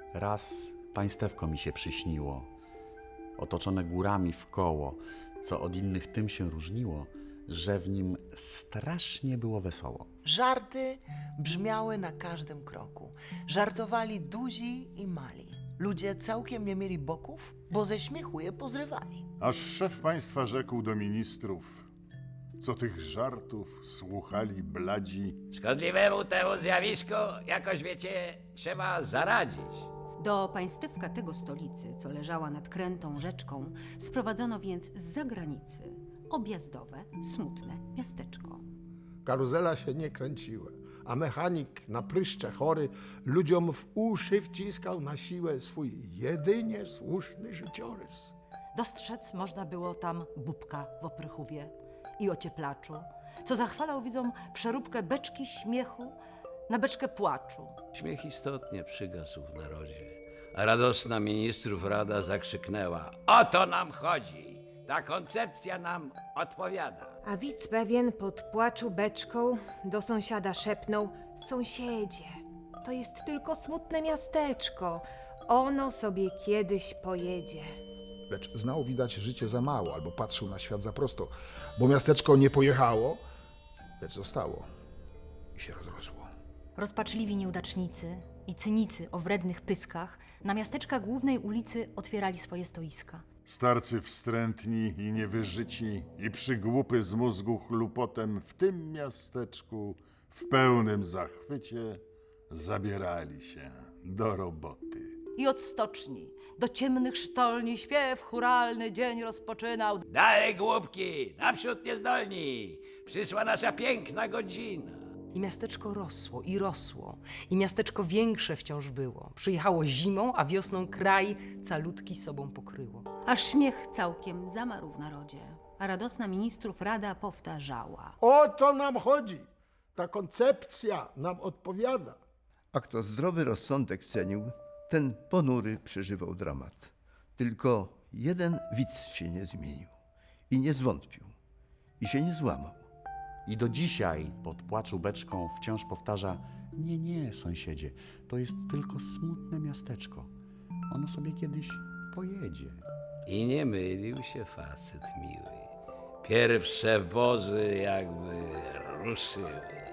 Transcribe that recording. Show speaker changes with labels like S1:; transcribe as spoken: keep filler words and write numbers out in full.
S1: Raz państewko mi się przyśniło, otoczone górami w koło, co od innych tym się różniło, że w nim strasznie było wesoło.
S2: Żarty brzmiały na każdym kroku. Żartowali duzi i mali. Ludzie całkiem nie mieli boków, bo ze śmiechu je pozrywali.
S3: Aż szef państwa rzekł do ministrów, co tych żartów słuchali bladzi.
S4: Szkodliwemu temu zjawisku, jakoś wiecie, trzeba zaradzić.
S5: Do państewka tego stolicy, co leżała nad krętą rzeczką, sprowadzono więc z zagranicy objazdowe, smutne miasteczko.
S6: Karuzela się nie kręciła, a mechanik na pryszcze chory ludziom w uszy wciskał na siłę swój jedynie słuszny życiorys.
S7: Dostrzec można było tam Bubka w oprychówie i ocieplaczu, co zachwalał widzom przeróbkę beczki śmiechu na beczkę płaczu.
S4: Śmiech istotnie przygasł w narodzie, a radosna ministrów rada zakrzyknęła: o to nam chodzi! Ta koncepcja nam odpowiada.
S8: A widz pewien pod płaczu beczką do sąsiada szepnął: sąsiedzie, to jest tylko smutne miasteczko. Ono sobie kiedyś pojedzie.
S9: Lecz znał widać życie za mało, albo patrzył na świat za prosto, bo miasteczko nie pojechało, lecz zostało i się rozrosło.
S10: Rozpaczliwi nieudacznicy i cynicy o wrednych pyskach na miasteczka głównej ulicy otwierali swoje stoiska.
S3: Starcy wstrętni i niewyżyci i przygłupy z mózgu chlupotem w tym miasteczku w pełnym zachwycie zabierali się do roboty.
S7: I od stoczni do ciemnych sztolni śpiew chóralny dzień rozpoczynał.
S4: Dalej, głupki, naprzód niezdolni! Przyszła nasza piękna godzina.
S11: I miasteczko rosło i rosło, i miasteczko większe wciąż było. Przyjechało zimą, a wiosną kraj calutki sobą pokryło.
S5: Aż śmiech całkiem zamarł w narodzie, a radosna ministrów rada powtarzała.
S6: O to nam chodzi! Ta koncepcja nam odpowiada.
S12: A kto zdrowy rozsądek cenił, ten ponury przeżywał dramat. Tylko jeden widz się nie zmienił i nie zwątpił i się nie złamał.
S1: I do dzisiaj pod płaczu beczką wciąż powtarza: nie, nie, sąsiedzie, to jest tylko smutne miasteczko. Ono sobie kiedyś pojedzie.
S4: I nie mylił się facet miły. Pierwsze wozy jakby ruszyły.